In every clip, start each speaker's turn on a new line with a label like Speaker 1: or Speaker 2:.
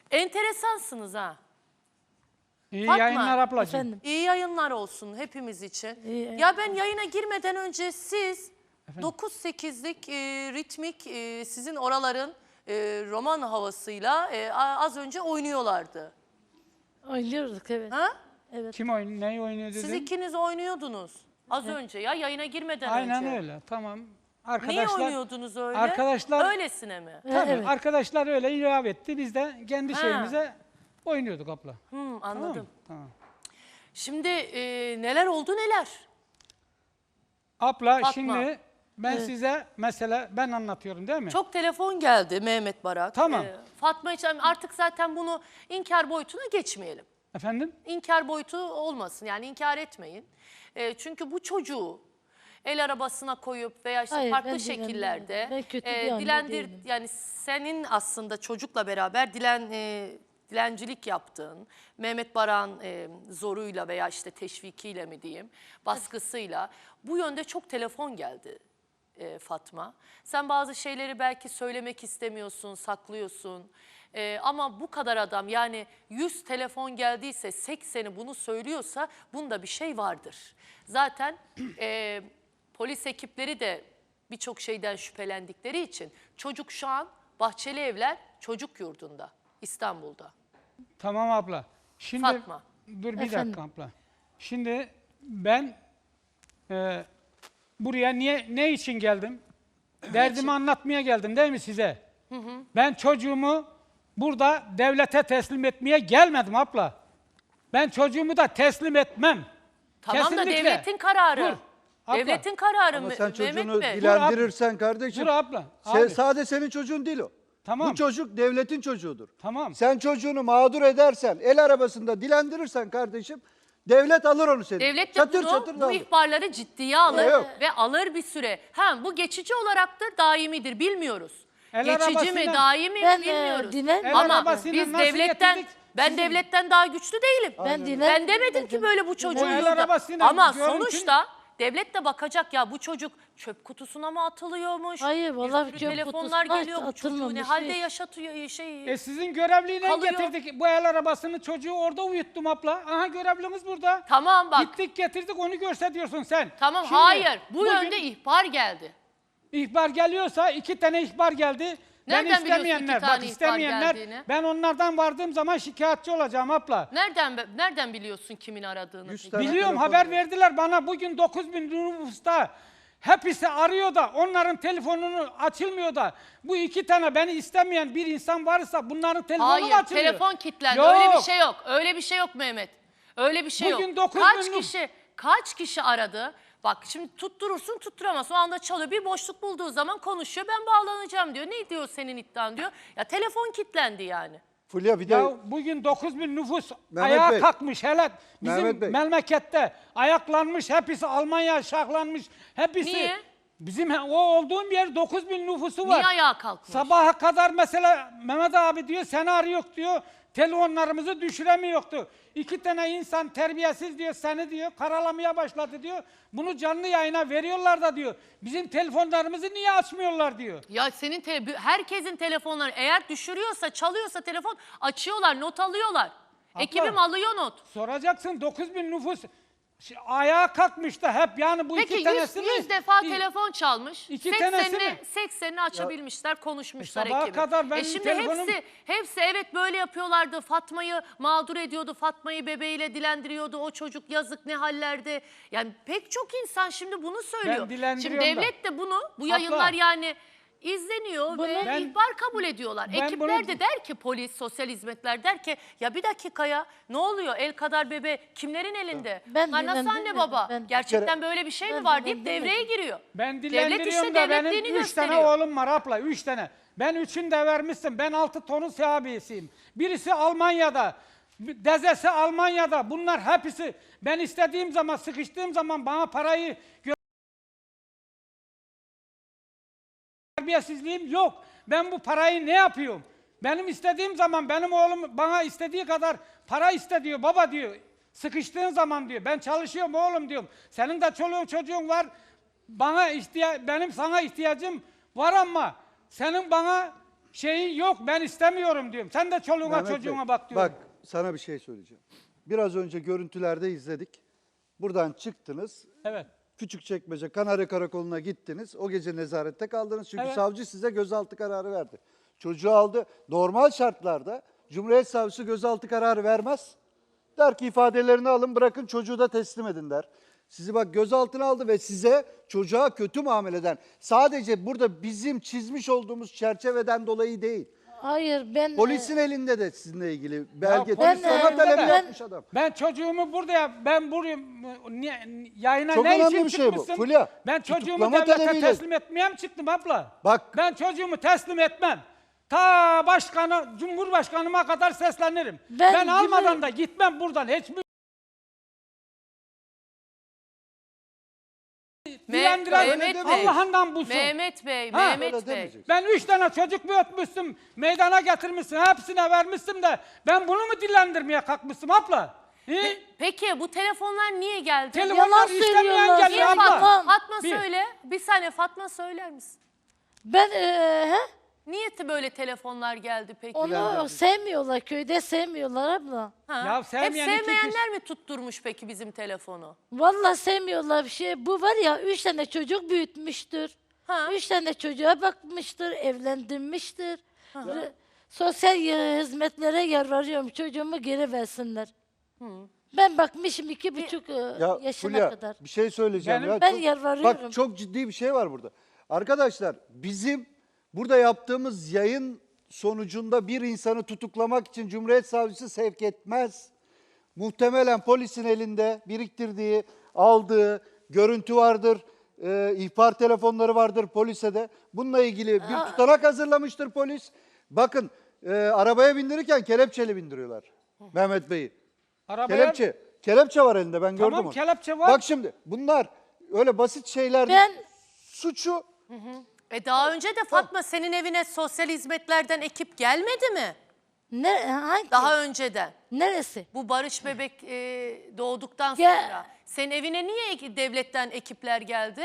Speaker 1: Enteresansınız ha.
Speaker 2: İyi
Speaker 1: Fatma,
Speaker 2: yayınlar ablacığım.
Speaker 3: Efendim.
Speaker 1: İyi yayınlar olsun hepimiz için.
Speaker 3: İyi.
Speaker 1: Ya ben yayına girmeden önce siz 9-8'lik ritmik sizin oraların roman havasıyla az önce oynuyorlardı.
Speaker 3: Oynuyorduk evet.
Speaker 1: Ha?
Speaker 3: Evet.
Speaker 2: Kim neyi oynuyor dedim?
Speaker 1: Siz ikiniz oynuyordunuz az önce ya yayına girmeden
Speaker 2: Aynen
Speaker 1: önce.
Speaker 2: öyle, tamam.
Speaker 1: Niye oynuyordunuz öyle?
Speaker 2: Arkadaşlar,
Speaker 1: öylesine mi?
Speaker 2: tabii,
Speaker 3: Evet.
Speaker 2: arkadaşlar öyle ilave etti. Biz de kendi
Speaker 1: Ha.
Speaker 2: şeyimize oynuyorduk abla.
Speaker 1: Anladım.
Speaker 2: Tamam.
Speaker 1: Şimdi neler oldu neler?
Speaker 2: Abla
Speaker 1: Fatma.
Speaker 2: şimdi ben size mesela ben anlatıyorum değil mi?
Speaker 1: Çok telefon geldi Mehmet Barak.
Speaker 2: Tamam.
Speaker 1: Fatma için artık zaten bunu inkar boyutuna geçmeyelim.
Speaker 2: Efendim?
Speaker 1: İnkar boyutu olmasın yani inkar etmeyin. Çünkü bu çocuğu el arabasına koyup veya işte
Speaker 3: Hayır,
Speaker 1: farklı
Speaker 3: ben
Speaker 1: şekillerde
Speaker 3: ben kötü bir anne değilim.
Speaker 1: yani senin aslında çocukla beraber dilencilik yaptığın, Mehmet Barak'ın zoruyla veya işte teşvikiyle mi diyeyim, baskısıyla bu yönde çok telefon geldi Fatma. Sen bazı şeyleri belki söylemek istemiyorsun, saklıyorsun. Ama bu kadar adam yani 100 telefon geldiyse 80'i bunu söylüyorsa bunda bir şey vardır. Zaten polis ekipleri de birçok şeyden şüphelendikleri için çocuk şu an Bahçeli Evler Çocuk Yurdu'nda İstanbul'da.
Speaker 2: Tamam abla. Şimdi
Speaker 1: Fatma.
Speaker 2: dur bir
Speaker 3: Efendim?
Speaker 2: dakika abla. Şimdi ben buraya ne için geldim? Derdimi anlatmaya geldim değil mi size? Ben çocuğumu burada devlete teslim etmeye gelmedim abla. Ben çocuğumu da teslim etmem.
Speaker 1: Tamam da
Speaker 2: Kesinlikle.
Speaker 1: devletin kararı.
Speaker 2: Dur, abla.
Speaker 1: Devletin kararı
Speaker 4: Ama sen
Speaker 1: Mehmet
Speaker 4: çocuğunu
Speaker 1: Bey.
Speaker 4: dilendirirsen kardeşim.
Speaker 2: Dur abla. Abi.
Speaker 4: Sadece senin çocuğun değil o.
Speaker 2: Tamam.
Speaker 4: Bu çocuk devletin çocuğudur.
Speaker 2: Tamam.
Speaker 4: Sen çocuğunu mağdur edersen, el arabasında dilendirirsen kardeşim, devlet alır onu seni.
Speaker 1: Devlet de
Speaker 4: Çatır
Speaker 1: bunu,
Speaker 4: çatır da
Speaker 1: bu
Speaker 4: alır.
Speaker 1: ihbarları ciddiye alır
Speaker 4: Yok.
Speaker 1: ve alır bir süre. Bu geçici olaraktır, daimidir bilmiyoruz.
Speaker 2: El
Speaker 1: Geçici mi,
Speaker 2: arabasıyla-
Speaker 1: daimi mi
Speaker 3: Ben,
Speaker 1: bilmiyoruz.
Speaker 3: dinler
Speaker 2: El
Speaker 1: Ama
Speaker 2: arabasıyla
Speaker 1: biz
Speaker 2: nasıl
Speaker 1: devletten,
Speaker 2: getirdik?
Speaker 1: ben
Speaker 2: Sizin-
Speaker 1: devletten daha güçlü değilim.
Speaker 3: Ben dinler.
Speaker 1: Ben demedim ki böyle bu çocuğun
Speaker 2: el
Speaker 1: yurda.
Speaker 2: arabasıyla
Speaker 1: Ama
Speaker 2: görüntün-
Speaker 1: sonuçta devlet de bakacak ya bu çocuk çöp kutusuna mı atılıyormuş?
Speaker 3: Hayır, vallahi
Speaker 1: Bir sürü
Speaker 3: çöp
Speaker 1: telefonlar
Speaker 3: kutusuna
Speaker 1: geliyor bu çocuğu ne
Speaker 3: atılmamış
Speaker 1: halde
Speaker 3: değil.
Speaker 1: yaşatıyor
Speaker 2: Sizin görevliyle
Speaker 1: Kalıyor.
Speaker 2: getirdik bu el arabasını, çocuğu orada uyuttum abla. Aha görevlimiz burada.
Speaker 1: Tamam bak.
Speaker 2: Gittik getirdik, onu görse diyorsun sen.
Speaker 1: Tamam
Speaker 2: Şimdi
Speaker 1: hayır bu
Speaker 2: bugün
Speaker 1: yönde ihbar geldi.
Speaker 2: ihbar geliyorsa 2 tane ihbar geldi.
Speaker 1: Nereden biliyorsun
Speaker 2: istemeyenler,
Speaker 1: iki tane
Speaker 2: bak
Speaker 1: ihbar
Speaker 2: istemeyenler,
Speaker 1: geldiğini?
Speaker 2: ben onlardan vardığım zaman şikayetçi olacağım abla.
Speaker 1: Nereden biliyorsun kimin aradığını?
Speaker 4: 100
Speaker 1: peki?
Speaker 4: tane
Speaker 2: Biliyorum,
Speaker 4: telefon
Speaker 2: haber
Speaker 4: geldi.
Speaker 2: verdiler bana bugün 9.000 nüfusta. Hepsi arıyor da onların telefonunu açılmıyor da bu 2 tane beni istemeyen bir insan varsa bunların telefonu mu
Speaker 1: Hayır
Speaker 2: açılıyor?
Speaker 1: telefon kilitlendi.
Speaker 2: Yok.
Speaker 1: Öyle bir şey yok. Öyle bir şey yok Mehmet. Öyle bir şey
Speaker 2: Bugün
Speaker 1: yok.
Speaker 2: 9.000
Speaker 1: Kaç kişi aradı? Bak şimdi tutturursun tutturamaz. O anda çalıyor. Bir boşluk bulduğu zaman konuşuyor. Ben bağlanacağım diyor. Ne diyor senin iddian diyor. Ya telefon kilitlendi yani.
Speaker 4: Fulya bir de
Speaker 2: Ya bugün 9.000 nüfus
Speaker 4: Mehmet
Speaker 2: ayağa
Speaker 4: Bey.
Speaker 2: kalkmış hele bizim
Speaker 4: Mehmet Bey.
Speaker 2: memlekette ayaklanmış, hepsi Almanya şahlanmış, hepsi.
Speaker 1: Niye?
Speaker 2: Bizim o olduğum yer 9.000 nüfusu var.
Speaker 1: Niye ayağa kalkmış?
Speaker 2: Sabaha kadar mesela Mehmet abi diyor senaryo diyor, telefonlarımızı düşüremiyordu. 2 tane insan terbiyesiz diyor, seni diyor karalamaya başladı diyor. Bunu canlı yayına veriyorlar da diyor. Bizim telefonlarımızı niye açmıyorlar diyor.
Speaker 1: Ya senin herkesin telefonları eğer düşürüyorsa çalıyorsa telefon açıyorlar not alıyorlar.
Speaker 2: Abla,
Speaker 1: Ekibim alıyor not.
Speaker 2: Soracaksın 9.000 nüfus ayağa kalkmış da hep yani bu
Speaker 1: Peki
Speaker 2: iki tanesi
Speaker 1: 100 defa
Speaker 2: İ-
Speaker 1: telefon çalmış.
Speaker 2: İki tanesi mi?
Speaker 1: 80'ini açabilmişler, konuşmuşlar
Speaker 2: sabaha
Speaker 1: ekibi.
Speaker 2: kadar benim
Speaker 1: Şimdi
Speaker 2: telefonum-
Speaker 1: hepsi evet böyle yapıyorlardı. Fatma'yı mağdur ediyordu. Fatma'yı bebeğiyle dilendiriyordu. O çocuk yazık ne hallerde. Yani pek çok insan şimdi bunu söylüyor. Şimdi
Speaker 2: dilendiriyorum da.
Speaker 1: devlet de bu yayınlar yani izleniyor ve
Speaker 2: Ben-
Speaker 1: ihbar kabul ediyorlar.
Speaker 2: ben
Speaker 1: Ekipler
Speaker 2: bunu-
Speaker 1: de der ki polis, sosyal hizmetler der ki ya bir dakika ya ne oluyor el kadar bebe kimlerin elinde?
Speaker 3: Ben
Speaker 1: Bunlar nasıl anne
Speaker 3: dinlendim,
Speaker 1: baba?
Speaker 3: ben-
Speaker 1: Gerçekten böyle bir şey mi
Speaker 3: Ben
Speaker 1: var deyip
Speaker 3: dinlendim.
Speaker 1: devreye giriyor.
Speaker 2: Ben
Speaker 1: Devlet
Speaker 2: dilendiriyorum
Speaker 1: işte
Speaker 2: da
Speaker 1: devletliğini
Speaker 2: benim 3 tane
Speaker 1: gösteriyor.
Speaker 2: oğlum var abla, 3 tane. Ben 3'ünü de vermişsin. Ben 6 tonun sahibisiyim. Birisi Almanya'da, dezesi Almanya'da. Bunlar hepsi ben istediğim zaman, sıkıştığım zaman bana parayı terbiyesizliğim yok. Ben bu parayı ne yapıyorum? Benim istediğim zaman benim oğlum bana istediği kadar para istediyor. Baba diyor. Sıkıştığın zaman diyor. Ben çalışıyorum oğlum diyorum. Senin de çoluğun çocuğun var. Benim sana ihtiyacım var ama senin bana şeyi yok, ben istemiyorum diyorum. Sen de çoluğuna
Speaker 4: Mehmet Bey,
Speaker 2: çocuğuna bak diyorum.
Speaker 4: Bak sana bir şey söyleyeceğim. Biraz önce görüntülerde izledik. Buradan çıktınız.
Speaker 2: Evet.
Speaker 4: Küçükçekmece Kanarya Karakolu'na gittiniz. O gece nezarette kaldınız. Çünkü
Speaker 2: Evet.
Speaker 4: savcı size gözaltı kararı verdi. Çocuğu aldı. Normal şartlarda Cumhuriyet Savcısı gözaltı kararı vermez. Der ki ifadelerini alın, bırakın, çocuğu da teslim edin der. Sizi bak gözaltına aldı ve size çocuğa kötü muameleden, sadece burada bizim çizmiş olduğumuz çerçeveden dolayı değil.
Speaker 3: Hayır ben
Speaker 4: Polisin elinde de sizinle ilgili belge.
Speaker 2: polis
Speaker 4: Tutuklama
Speaker 2: elinde
Speaker 4: talebi
Speaker 2: de-
Speaker 4: yapmış adam.
Speaker 2: Ben çocuğumu ben buraya yayına
Speaker 4: Çok
Speaker 2: ne
Speaker 4: önemli
Speaker 2: için
Speaker 4: bir şey bu.
Speaker 2: çıkmışsın?
Speaker 4: Fulya,
Speaker 2: Ben çocuğumu
Speaker 4: tutuklama
Speaker 2: devlete
Speaker 4: talebiyle-
Speaker 2: teslim etmeye mi çıktım abla?
Speaker 4: Bak.
Speaker 2: Ben çocuğumu teslim etmem. Ta Cumhurbaşkanıma kadar seslenirim.
Speaker 3: Ben
Speaker 2: Ben almadan
Speaker 3: Cumhur-
Speaker 2: da gitmem buradan. Hiçbir
Speaker 1: Mehmet Bey.
Speaker 2: Allah'ından bulsun.
Speaker 1: Mehmet Bey,
Speaker 2: Ha,
Speaker 1: Mehmet
Speaker 4: öyle
Speaker 1: Bey.
Speaker 4: demeyeceksin.
Speaker 2: Ben 3 tane çocuk büyütmüşsün, meydana getirmişsin, hepsine vermişsin de ben bunu mu dillendirmeye kalkmışım abla?
Speaker 1: Peki bu telefonlar niye geldi?
Speaker 2: Telefonlar
Speaker 3: Yalan
Speaker 2: istemeyen
Speaker 3: söylüyorlar.
Speaker 2: geliyor
Speaker 1: Niye
Speaker 2: abla.
Speaker 1: Fatma? Fatma
Speaker 2: Bir-
Speaker 1: söyle. Bir saniye Fatma söyler misin?
Speaker 3: ben
Speaker 1: Niye böyle telefonlar geldi peki?
Speaker 3: onu sevmiyorlar, köyde sevmiyorlar abla.
Speaker 1: Ha?
Speaker 2: Ya
Speaker 1: Hep
Speaker 2: sevmeyen iki
Speaker 1: sevmeyenler mi tutturmuş peki bizim telefonu?
Speaker 3: Vallahi sevmiyorlar bir şey. Bu var ya 3 tane çocuk büyütmüştür.
Speaker 1: Ha.
Speaker 3: 3 tane çocuğa bakmıştır, evlendirmiştir. Sosyal hizmetlere yalvarıyorum çocuğumu geri versinler. Ben bakmışım 2,5
Speaker 4: Ya
Speaker 3: yaşına
Speaker 4: Fulya,
Speaker 3: kadar.
Speaker 4: bir şey söyleyeceğim.
Speaker 2: Benim-
Speaker 4: ya.
Speaker 3: Ben
Speaker 4: Çok-
Speaker 3: yalvarıyorum.
Speaker 4: Bak çok ciddi bir şey var burada. Arkadaşlar bizim burada yaptığımız yayın sonucunda bir insanı tutuklamak için Cumhuriyet Savcısı sevk etmez. Muhtemelen polisin elinde biriktirdiği, aldığı görüntü vardır. İhbar telefonları vardır polise de. Bununla ilgili bir tutanak hazırlamıştır polis. Bakın arabaya bindirirken kelepçeli bindiriyorlar Mehmet Bey'i.
Speaker 2: Arabaya-
Speaker 4: Kelepçe var elinde, ben
Speaker 2: Tamam,
Speaker 4: gördüm onu.
Speaker 2: kelepçe var.
Speaker 4: Bak şimdi bunlar öyle basit şeyler değil.
Speaker 3: Ben
Speaker 4: Suçu
Speaker 1: Daha önce de Fatma senin evine sosyal hizmetlerden ekip gelmedi mi?
Speaker 3: hangi?
Speaker 1: Daha önceden.
Speaker 3: Neresi?
Speaker 1: Bu Barış bebek doğduktan
Speaker 3: Ya-
Speaker 1: sonra. Senin evine niye devletten ekipler geldi?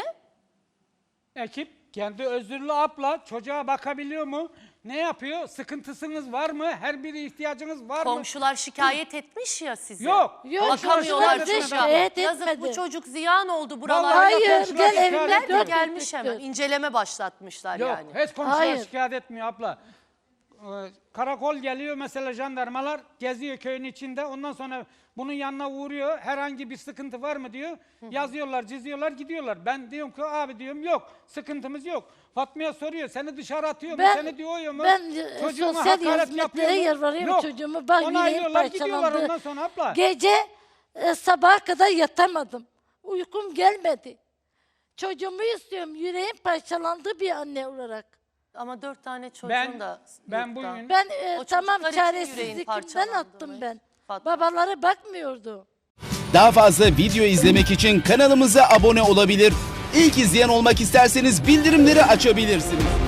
Speaker 2: Ekip kendi özürlü abla çocuğa bakabiliyor mu? Ne yapıyor? Sıkıntısınız var mı? Her biri ihtiyacınız var mı?
Speaker 1: Komşular şikayet etmiş ya size.
Speaker 2: Yok.
Speaker 3: Yok,
Speaker 1: Bakamıyorlar
Speaker 3: komşular bize
Speaker 1: çocuğa.
Speaker 3: şikayet
Speaker 1: Yazık bu
Speaker 3: etmedi.
Speaker 1: çocuk ziyan oldu buralarda.
Speaker 2: Vallahi
Speaker 3: Hayır,
Speaker 2: komşular
Speaker 3: gel
Speaker 2: şikayet
Speaker 3: evimden
Speaker 2: etmiyor.
Speaker 3: dört
Speaker 1: Gelmiş
Speaker 3: dörtlüktür.
Speaker 1: hemen. İnceleme başlatmışlar
Speaker 2: Yok,
Speaker 1: yani.
Speaker 2: hiç komşular
Speaker 3: Hayır.
Speaker 2: şikayet etmiyor abla. Karakol geliyor mesela, jandarmalar geziyor köyün içinde. Ondan sonra bunun yanına uğruyor. Herhangi bir sıkıntı var mı diyor. Yazıyorlar, çiziyorlar, gidiyorlar. Ben diyorum ki abi diyorum yok. Sıkıntımız yok. Fatma'ya soruyor. Seni dışarı atıyor mu?
Speaker 3: Ben-
Speaker 2: Seni diyor mu?
Speaker 3: ben,
Speaker 2: Çocuğuma
Speaker 3: sosyal
Speaker 2: hakaret
Speaker 3: hizmetlere
Speaker 2: yapıyor mu?
Speaker 3: yalvarıyorum
Speaker 2: Yok.
Speaker 3: çocuğumu. Bak, yüreğim
Speaker 2: Onaylıyorlar, gidiyorlar
Speaker 3: parçalandı.
Speaker 2: ondan sonra abla.
Speaker 3: Gece sabaha kadar yatamadım. Uykum gelmedi. Çocuğumu istiyorum. Yüreğim parçalandı bir anne olarak.
Speaker 1: Ama 4 tane çocuğun
Speaker 2: Ben-
Speaker 1: da
Speaker 2: ben
Speaker 1: yurtta.
Speaker 2: bugün-
Speaker 3: Ben
Speaker 1: O
Speaker 3: tamam
Speaker 1: çocuklar için yüreğin
Speaker 3: çaresizlikten
Speaker 1: parçalandı
Speaker 3: attım
Speaker 1: mı?
Speaker 3: ben.
Speaker 1: Fatma.
Speaker 3: Babaları bakmıyordu.
Speaker 5: Daha fazla video izlemek için kanalımıza abone olabilir. İlk izleyen olmak isterseniz bildirimleri açabilirsiniz.